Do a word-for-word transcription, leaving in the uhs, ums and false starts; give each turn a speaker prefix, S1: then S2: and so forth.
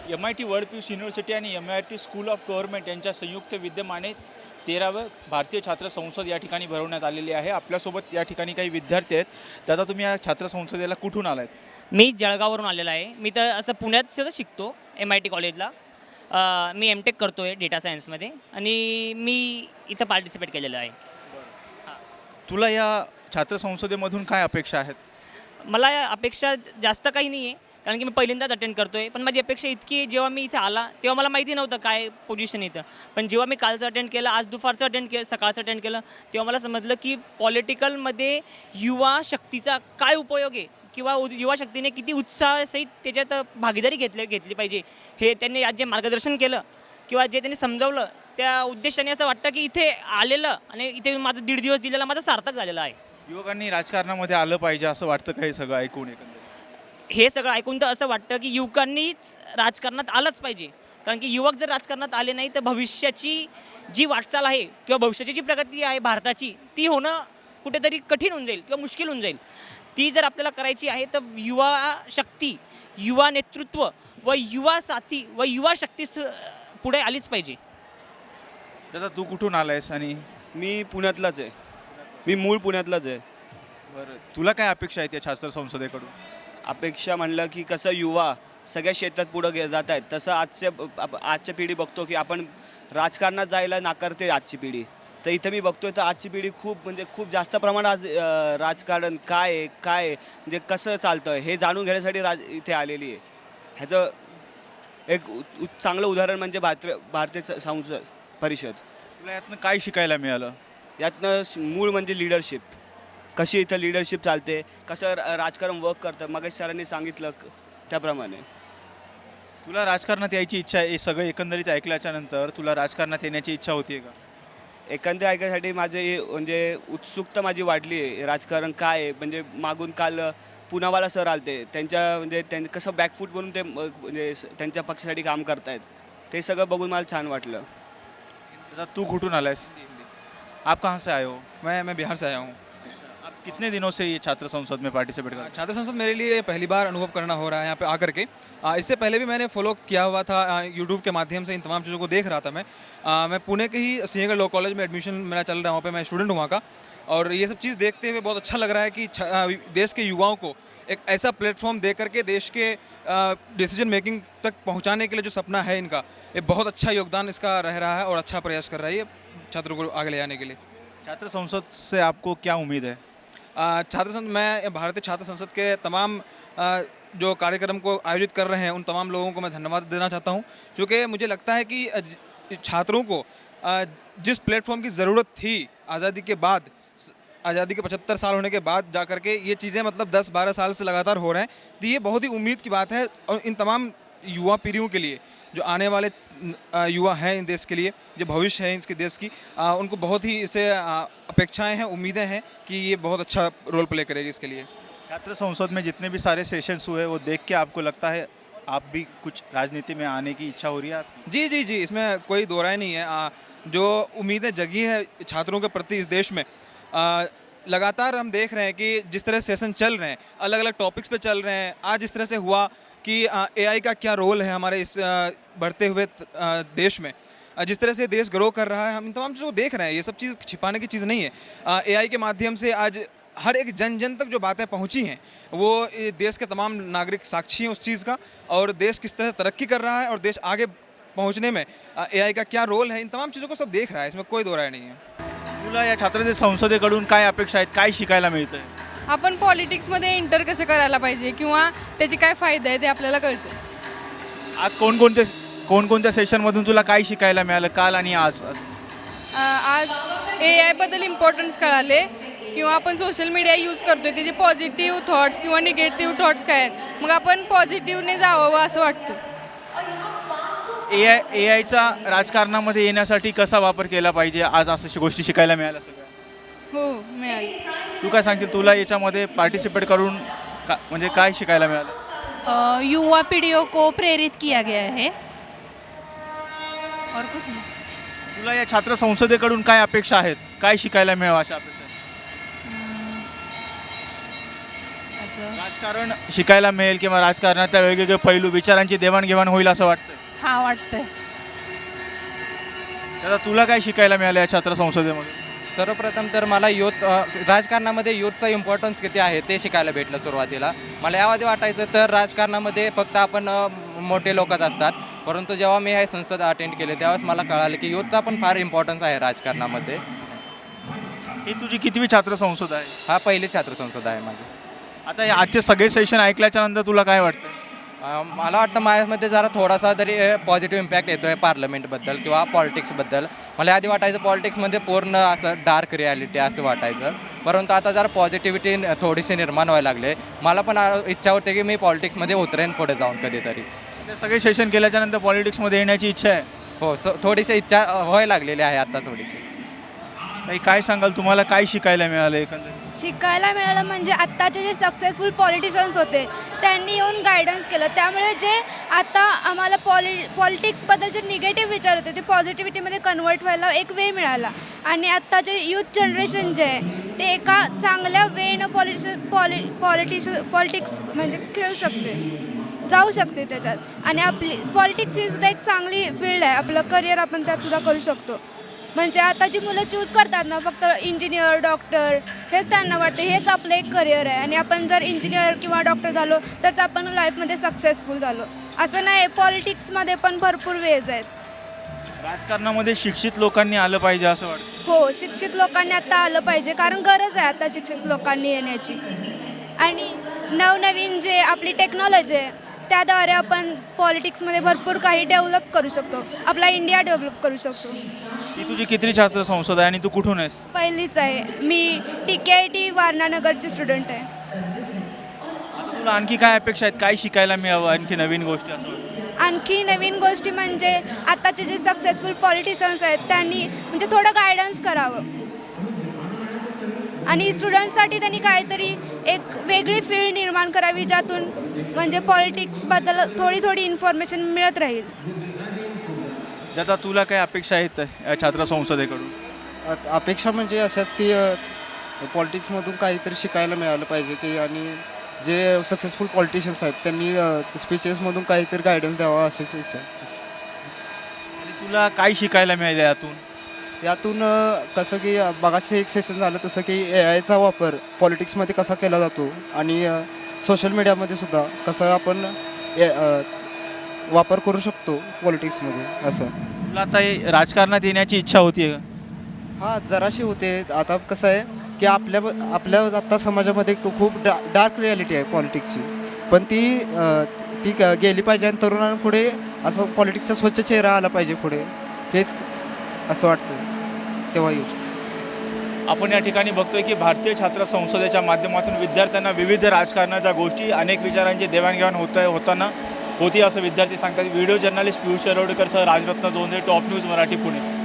S1: M I T world peace university आणि M I T school of government यांच्या संयुक्त विद्यमाने तेरावं भारतीय छात्र संसद या ठिकाणी भरवण्यात आलेली आहे। आपल्यासोबत या ठिकाणी काही विद्यार्थी आहेत। दादा, तुम्ही या छात्र संसदेला कुठून आलात?
S2: मी जळगाववरून आलेला आहे। मी तर असं पुण्यात सुद्धा शिकतो एम आय टी कॉलेजला। अ, मी एम टेक करतो आहे डेटा सायन्समध्ये आणि मी इथं पार्टिसिपेट केलेलं आहे।
S1: तुला या छात्र संसदेमधून काय अपेक्षा आहेत?
S2: मला अपेक्षा जास्त काही नाही आहे, कारण की मी पहिल्यांदाच अटेंड करतो आहे। पण माझी अपेक्षा इतकी आहे, जेव्हा मी इथे आला तेव्हा मला माहिती नव्हतं काय पोझिशन इथं, पण जेव्हा मी कालचं अटेंड केलं, आज दुपारचं अटेंड केलं, सकाळचं अटेंड केलं, तेव्हा मला समजलं की पॉलिटिकलमध्ये युवा शक्तीचा काय उपयोग आहे किंवा युवा शक्तीने किती उत्साहासहित त्याच्यात भागीदारी घेतली घेतली पाहिजे। हे त्यांनी आज जे मार्गदर्शन केलं किंवा जे त्यांनी समजावलं, त्या उद्देशाने असं वाटतं की इथे आलेलं आणि इथे माझं दीड दिवस दिलेला माझा सार्थक झालेला आहे।
S1: युवकांनी राजकारणामध्ये आलं पाहिजे असं वाटतं का हे सगळं ऐकून? एकंदरीत
S2: हे सगळं ऐकून तर असं वाटतं की युवकांनीच राजकारणात आलंच पाहिजे, कारण की युवक जर राजकारणात आले नाही तर भविष्याची जी वाटचाल आहे किंवा भविष्याची जी प्रगती आहे भारताची, ती होणं कुठेतरी कठीण होऊन जाईल किंवा मुश्किल होऊन जाईल। ती जर आपल्याला करायची आहे तर युवा शक्ती, युवा नेतृत्व व युवा साथी व युवा शक्ती पुढे आलीच पाहिजे।
S1: दादा, तू कुठून आलायस? आणि
S3: मी पुण्यातलाच आहे, मी मूळ पुण्यातलाच आहे।
S1: बरं, तुला काय अपेक्षा आहेत या छात्र संसदेकडून?
S3: अपेक्षा म्हणलं की कसं युवा सगळ्या क्षेत्रात पुढं गे जात आहेत, तसं आजच्या आप- आजच्या पिढी बघतो की आपण राजकारणात जायला नाकारते आजची पिढी। तर इथं मी बघतोय तर आजची पिढी खूप म्हणजे खूप जास्त प्रमाणात आज अं, राजकारण काय आहे, काय आहे, म्हणजे कसं चालतं हे जाणून घेण्यासाठी राज इथे आलेली आहे। ह्याचं एक उ- उ- चांगलं उदाहरण म्हणजे भारतीय भारतीय स- संसद परिषद।
S1: तुला यातनं काय शिकायला मिळालं?
S3: यातनं स- मूळ म्हणजे लिडरशिप, कशी इथं लिडरशिप चालते, कसं र- राजकारण वर्क करतं, मग सरांनी सांगितलं क- त्याप्रमाणे।
S1: तुला राजकारणात यायची इच्छा आहे? हे सगळं एकंदरीत ऐकल्याच्या नंतर तुला राजकारणात येण्याची इच्छा होती का?
S3: एकंदर ऐकण्यासाठी माझे म्हणजे उत्सुकता माझी वाढली आहे। राजकारण काय आहे, म्हणजे मागून काल पुनावाला सर आलते, त्यांच्या म्हणजे त्यांनी कसं बॅकफूट बनून ते म- म्हणजे स- त्यांच्या पक्षासाठी काम करतायत, ते सगळं बघून मला छान वाटलं।
S1: दादा, तू कुठून आलायस? आप कहाँ से आए हो?
S4: मैं मैं बिहार से आया हूँ।
S1: आप कितने दिनों से ये छात्र संसद में पार्टिसिपेट कर रहे
S4: छात्र संसद मेरे लिए पहली बार अनुभव करना हो रहा है यहाँ पे आकर के। आ, इससे पहले भी मैंने फॉलो किया हुआ था यूट्यूब के माध्यम से, इन तमाम चीज़ों को देख रहा था मैं। आ, मैं पुणे के ही सिंहगढ़ लॉ कॉलेज में एडमिशन मेरा चल रहा है, वहाँ पे मैं स्टूडेंट हूँ वहाँ का। और ये सब चीज़ देखते हुए बहुत अच्छा लग रहा है कि छ- आ, देश के युवाओं को एक ऐसा प्लेटफॉर्म दे करके देश के डिसीजन मेकिंग तक पहुँचाने के लिए जो सपना है इनका, ये बहुत अच्छा योगदान इसका रह रहा है और अच्छा प्रयास कर रहा है ये छात्रों को आगे ले जाने के लिए।
S1: हैं। छात्र संसद से आपको क्या उम्मीद है?
S4: आ, छात्र संसद, मैं भारतीय छात्र संसद के तमाम आ, जो कार्यक्रम को आयोजित कर रहे हैं उन तमाम लोगों को मैं धन्यवाद देना चाहता हूं, क्योंकि मुझे लगता है कि अ, ज- छात्रों को आ, जिस प्लेटफॉर्म की ज़रूरत थी आज़ादी के बाद, स- आज़ादी के पचहत्तर साल होने के बाद जा करके ये चीज़ें मतलब दस बारह साल से लगातार हो रहे हैं, तो ये बहुत ही उम्मीद की बात है। और इन तमाम युवा पीढ़ियों के लिए, जो आने वाले न- आ, युवा हैं इन देश के लिए, जो भविष्य है इसके देश की, आ, उनको बहुत ही इसे आ, अपेक्षाएं हैं, उम्मीदें हैं कि ये बहुत अच्छा रोल प्ले करेगी इसके लिए।
S1: छात्र संसद में जितने भी सारे सेशंस हुए वो देख के आपको लगता है आप भी कुछ राजनीति में आने की इच्छा हो रही है आपकी?
S4: जी जी जी, इसमें कोई दो राय नहीं है। आ, जो उम्मीदें जगी है छात्रों के प्रति इस देश में, आ, लगातार हम देख रहे हैं कि जिस तरह सेशन चल रहे हैं, अलग अलग टॉपिक्स पे चल रहे हैं। आज इस तरह से हुआ कि एआई का क्या रोल है हमारे इस आ, बढ़ते हुए त- आ, देश में, आ, जिस तरह से देश ग्रो कर रहा है, हम इन तमाम चीज़ों को देख रहे हैं। ये सब चीज़ छिपाने की चीज़ नहीं है। एआई के माध्यम से आज हर एक जन जन तक जो बातें पहुंची हैं, वो ये देश के तमाम नागरिक साक्षी हैं उस चीज़ का, और देश किस तरह तरक्की कर रहा है और देश आगे पहुंचने में एआई का क्या रोल है, इन तमाम चीज़ों को सब देख रहा है। इसमें कोई दो राय नहीं है।
S1: तुला या छात्र संसदेकडून काय अपेक्षा आहेत? काय शिकायला मिळतं आहे?
S5: आपण पॉलिटिक्समध्ये एंटर कसं करायला पाहिजे किंवा त्याचे काय फायदे आहेत ते आपल्याला कळतं।
S1: आज कोणकोणते कोणकोणत्या सेशनमधून तुला काय शिकायला मिळालं काल आणि आज?
S5: अ, आज ए आयबद्दल इम्पॉर्टन्स कळाले किंवा आपण सोशल मीडिया यूज करतोय त्याचे पॉझिटिव्ह थॉट्स किंवा निगेटिव्ह थॉट्स काय आहेत, मग आपण पॉझिटिव्हने जावं असं वाटतं।
S1: ए आय ए आयचा राजकारणामध्ये येण्यासाठी कसा वापर केला पाहिजे, आज असं गोष्टी शिकायला मिळाल्या सगळ्या?
S5: हो, मिळाली।
S1: तू काय सांगशील? तुला याच्यामध्ये पार्टिसिपेट करून का म्हणजे काय शिकायला मिळालं?
S6: अ, युवा पीढ़ियों को प्रेरित किया गया है और कुछ नहीं।
S1: तुला या छात्र संसदेकडून काय अपेक्षा आहेत? काय शिकायला मिळावं अशा अपेक्षा आहेत?
S6: अ, माझं.
S1: राजकारण शिकायला मिळेल किंवा राजकारणातल्या वेगवेगळे पैलू विचारांची देवाणघेवाण होईल असं वाटतं.
S6: हा वाटतंय.
S1: दादा तुला काय शिकायला मिळालं या छात्र संसदेमध्ये?
S7: सर्वप्रथम तर मला युथ अ, राजकारणामध्ये युथचा इम्पॉर्टन्स किती आहे ते शिकायला भेटलं सुरुवातीला. मला याआधी वाटायचं तर राजकारणामध्ये फक्त आपण अ, मोठे लोकच असतात, परंतु जेव्हा मी हे संसद अटेंड केले त्यावेळेस मला कळालं की युथचा पण फार इम्पॉर्टन्स आहे राजकारणामध्ये.
S1: ही तुझी कितवी छात्र संसद आहे?
S7: हा पहिली छात्र संसद आहे माझी.
S1: आता हे आजचे सगळे सेशन ऐकल्याच्या नंतर तुला काय वाटतं?
S7: अ, मला वाटतं माझ्यामध्ये जरा थोडासा तरी पॉझिटिव्ह इम्पॅक्ट येतो आहे पार्लमेंटबद्दल किंवा पॉलिटिक्सबद्दल. मला आधी वाटायचं पॉलिटिक्समध्ये पूर्ण असं डार्क रियालिटी असं वाटायचं, परंतु आता जरा पॉझिटिव्हिटी थोडीशी निर्माण व्हायला लागले. मला पण अ, इच्छा होते की मी पॉलिटिक्समध्ये उतरेन पुढे जाऊन कधीतरी.
S1: ते सगळे सेशन केल्याच्या नंतर पॉलिटिक्समध्ये येण्याची इच्छा आहे.
S7: हो, स थोडीशी इच्छा अ, व्हायला लागलेली आहे आता थोडीशी.
S1: ताई काय सांगाल, तुम्हाला काय शिकायला मिळालं एकंदरीत?
S8: शिकायला मिळालं म्हणजे आत्ताचे जे सक्सेसफुल पॉलिटिशियन्स होते त्यांनी येऊन गायडन्स केलं, त्यामुळे जे आता आम्हाला पॉलि पॉलिटिक्सबद्दल जे निगेटिव्ह विचार होते ते पॉझिटिव्हिटीमध्ये कन्वर्ट व्हायला एक वे मिळाला. आणि आत्ता जे यूथ जनरेशन जे आहे ते एका चांगल्या वेनं पॉलिटिश पॉलि पॉलिटिश पॉलिटिक्स म्हणजे खेळू शकते, जाऊ शकते त्याच्यात. आणि आपली पॉलिटिक्स ही सुद्धा एक चांगली फील्ड आहे, आपलं करिअर आपण त्यात सुद्धा करू शकतो. म्हणजे आता जी मुलं चूज करतात ना फक्त इंजिनियर डॉक्टर हेच त्यांना वाटते हेच आपलं एक करिअर आहे, आणि आपण जर इंजिनियर किंवा डॉक्टर झालो तर आपण लाईफमध्ये सक्सेसफुल झालो असं नाही. पॉलिटिक्समध्ये पण भरपूर वेज आहेत.
S1: राजकारणामध्ये शिक्षित लोकांनी आलं पाहिजे असं वाटतं.
S8: हो, शिक्षित लोकांनी आता आलं पाहिजे, कारण गरज आहे आता शिक्षित लोकांनी येण्याची. आणि नवनवीन जे आपली टेक्नॉलॉजी आहे त्याद्वारे आपण पॉलिटिक्समध्ये भरपूर काही डेव्हलप करू शकतो, आपला इंडिया डेव्हलप करू शकतो.
S1: ही तुझी कितवी छात्र संसद आहे आणि तू कुठून आहेस?
S8: पहिलीच आहे. मी टी के आय टी वारणानगरची स्टुडंट आहे.
S1: आता तुला आणखी काय अपेक्षा आहेत, काय शिकायला मिळावं आणखी नवीन गोष्टी असं वाटतं?
S8: आणखी नवीन गोष्टी म्हणजे आताचे जे सक्सेसफुल पॉलिटिशियन्स आहेत त्यांनी म्हणजे थोडं गायडन्स करावं, आणि स्टुडंटसाठी त्यांनी काहीतरी एक वेगळी फील्ड निर्माण करावी ज्यातून म्हणजे पॉलिटिक्सबद्दल थोडी थोडी इन्फॉर्मेशन मिळत राहील.
S1: दादा तुला काय अपेक्षा आहेत या छात्र संसदेकडून?
S9: अ- अपेक्षा म्हणजे अशाच की पॉलिटिक्समधून काहीतरी शिकायला मिळालं पाहिजे की, आणि जे सक्सेसफुल पॉलिटिशियन्स आहेत त्यांनी स्पीचेसमधून काहीतरी गायडन्स द्यावा अशीच इच्छा आहे.
S1: आणि तुला काय शिकायला मिळालं यातून?
S9: यातून अ, कसं की अ, मगाशी एक सेशन झालं तसं की ए आयचा वापर पॉलिटिक्समध्ये कसा केला जातो, आणि सोशल मीडियामध्ये सुद्धा कसा आपण ए अ, वापर करू शकतो पॉलिटिक्समध्ये असं.
S1: तुला आता हे राजकारणात येण्याची इच्छा होती का?
S9: हां, जराशी होते. आता कसं आहे की आपल्या आपल्या आता समाजामध्ये खू- खूप डा डार्क रियालिटी आहे पॉलिटिक्सची, पण ती अ, ती क- गेली पाहिजे, आणि तरुणांपुढे असं पॉलिटिक्सचा स्वच्छ चेहरा आला पाहिजे पुढे, हेच असं वाटतं तेव्हा येऊ.
S1: आपण या ठिकाणी बघतोय की भारतीय छात्र संसदेच्या माध्यमातून विद्यार्थ्यांना विविध राजकारणाच्या गोष्टी अनेक विचारांची देवाणघेवाण होत होताना होती असं विद्यार्थी सांगतात. व्हिडिओ जर्नलिस्ट पियुष शिरोडकर सह राजरत्न जोंधे, टॉप न्यूज मराठी, पुणे.